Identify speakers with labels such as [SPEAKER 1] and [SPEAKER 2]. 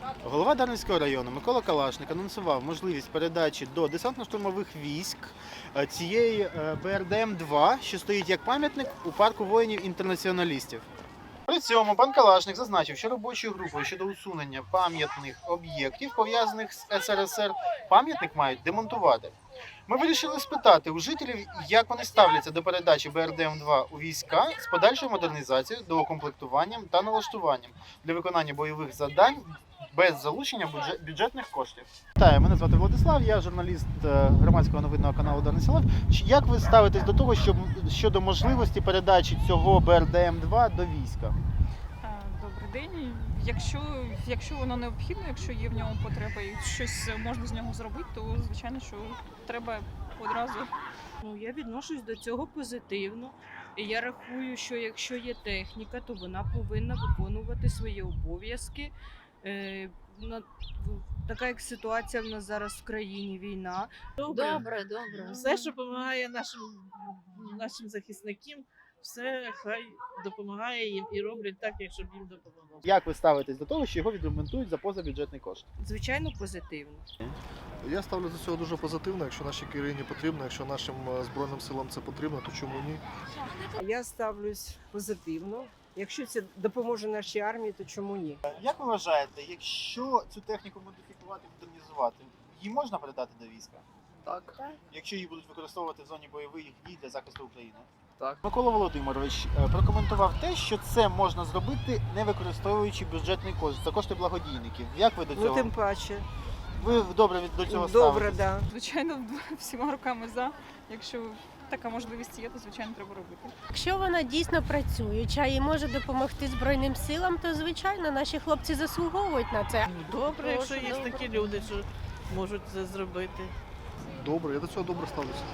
[SPEAKER 1] Голова Дарницького району Микола Калашник анонсував можливість передачі до десантно-штурмових військ цієї БРДМ-2, що стоїть як пам'ятник у парку воїнів-інтернаціоналістів. При цьому пан Калашник зазначив, що робочою групою щодо усунення пам'ятних об'єктів, пов'язаних з СРСР, пам'ятник мають демонтувати. Ми вирішили спитати у жителів, як вони ставляться до передачі БРДМ-2 у війська з подальшою модернізацією, доукомплектуванням та налаштуванням для виконання бойових завдань без залучення бюджетних коштів. Вітаю, мене звати Владислав, я журналіст громадського новинного каналу «Дарниця Лайв». Як ви ставитесь до того, щодо можливості передачі цього БРДМ-2 до війська?
[SPEAKER 2] Добрий день. Якщо воно необхідно, якщо є в ньому потреба і щось можна з нього зробити, то звичайно, що треба одразу.
[SPEAKER 3] Я відношусь до цього позитивно. І я рахую, що якщо є техніка, то вона повинна виконувати свої обов'язки. Така як ситуація в нас зараз в країні, війна.
[SPEAKER 4] Добре.
[SPEAKER 5] Все, що допомагає нашим захисникам, все хай допомагає їм і роблять так, як щоб їм допомогло.
[SPEAKER 1] Як ви ставитесь до того, що його відремонтують за позабюджетний кошт?
[SPEAKER 3] Звичайно, позитивно.
[SPEAKER 6] Я ставлю до цього дуже позитивно. Якщо нашій країні потрібно, якщо нашим Збройним силам це потрібно, то чому ні?
[SPEAKER 7] Я ставлюсь позитивно. Якщо це допоможе нашій армії, то чому ні?
[SPEAKER 1] Як ви вважаєте, якщо цю техніку модифікувати, модернізувати, її можна передати до війська?
[SPEAKER 6] Так.
[SPEAKER 1] Якщо її будуть використовувати в зоні бойових дій для захисту України?
[SPEAKER 6] Так.
[SPEAKER 1] Микола Володимирович прокоментував те, що це можна зробити, не використовуючи бюджетний кошт, за кошти благодійників. Як ви до цього?
[SPEAKER 7] Ну, тим паче.
[SPEAKER 1] Ви добре до цього
[SPEAKER 7] Добре,
[SPEAKER 1] ставитесь?
[SPEAKER 7] да.
[SPEAKER 2] Звичайно, всіма руками за. Якщо така можливість є, то звичайно треба робити.
[SPEAKER 4] Якщо вона дійсно працююча і може допомогти Збройним силам, то звичайно наші хлопці заслуговують на це.
[SPEAKER 5] Добре, якщо є
[SPEAKER 4] Добре.
[SPEAKER 5] такі люди, що можуть це зробити.
[SPEAKER 6] Добре, я до цього добре ставлюся.